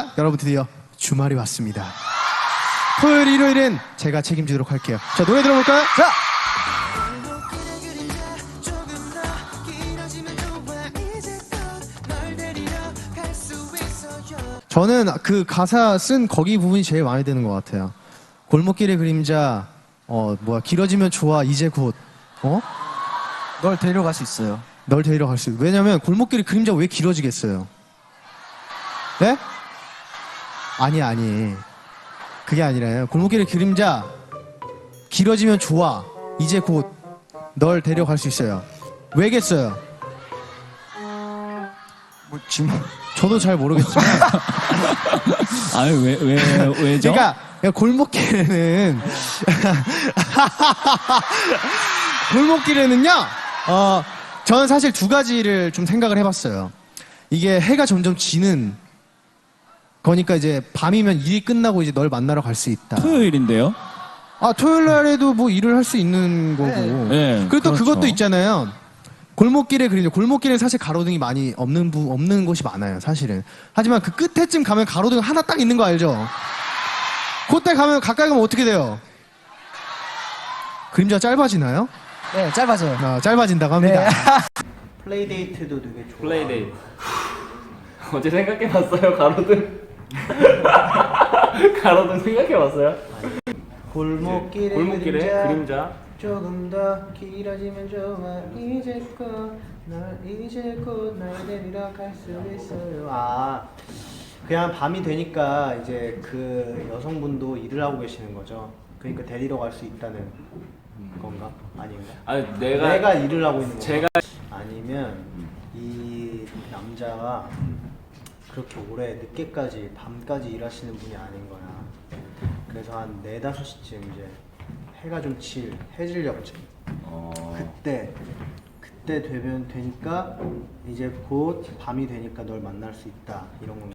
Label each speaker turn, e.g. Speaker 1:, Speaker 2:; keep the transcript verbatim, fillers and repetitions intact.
Speaker 1: 여러분 드디어 주말이 왔습니다. 토요일, 일요일은 제가 책임지도록 할게요. 자, 노래 들어볼까요? 자! 저는 그 가사 쓴 거기 부분이 제일 마음에 드는 것 같아요. 골목길의 그림자, 어, 뭐야, 길어지면 좋아, 이제 곧, 어?
Speaker 2: 널 데려갈 수 있어요.
Speaker 1: 널 데리러 갈 수 있어. 왜냐면 골목길의 그림자가 왜 길어지겠어요? 네? 아니, 아니. 그게 아니라요. 골목길의 그림자, 길어지면 좋아, 이제 곧 널 데려갈 수 있어요. 왜겠어요?
Speaker 2: 뭐 지금
Speaker 1: 저도 잘 모르겠지만.
Speaker 3: 아유, 왜, 왜, 왜죠?
Speaker 1: 그러니까 골목길에는 골목길에는요. 어, 저는 사실 두 가지를 좀 생각을 해봤어요. 이게 해가 점점 지는 거니까 이제 밤이면 일이 끝나고 이제 널 만나러 갈 수 있다.
Speaker 3: 토요일인데요?
Speaker 1: 아, 토요일 날에도 뭐 일을 할 수 있는 거고.
Speaker 3: 네,
Speaker 1: 그리고 또
Speaker 3: 그렇죠.
Speaker 1: 그것도 있잖아요. 골목길에 그림자. 골목길엔 사실 가로등이 많이 없는 부, 없는 곳이 많아요, 사실은. 하지만 그 끝에쯤 가면 가로등 하나 딱 있는 거 알죠? 그때 가면 가까이 가면 어떻게 돼요? 그림자가 짧아지나요?
Speaker 2: 네, 짧아져요.
Speaker 1: 아, 짧아진다고 합니다.
Speaker 2: 네.
Speaker 4: 플레이데이트도 되게 좋아.
Speaker 5: 플레이데이트. 어제 생각해봤어요, 가로등? 가로등 생각해봤어요?
Speaker 4: 골목길의,
Speaker 5: 골목길에
Speaker 4: 그림자,
Speaker 5: 그림자.
Speaker 4: 조금 더 길어지면 좋아 이제껏 널 이제껏 날 데리러 갈 수 있어요. 아, 그냥 밤이 되니까 이제 그 여성분도 일을 하고 계시는 거죠. 그러니까 데리러 갈 수 있다는 건가? 아닌가?
Speaker 5: 아니, 내가.
Speaker 4: 내가 일을 하고 있는 건가?
Speaker 5: 제가.
Speaker 4: 아니면 이 남자가 그렇게 오래 늦게까지 밤까지 일하시는 분이 아닌 거야. 그래서 한 네다섯 시쯤 이제 해가 좀 칠, 해질녘쯤.
Speaker 5: 어...
Speaker 4: 그때 그때 되면 되니까 이제 곧 밤이 되니까 널 만날 수 있다 이런 건.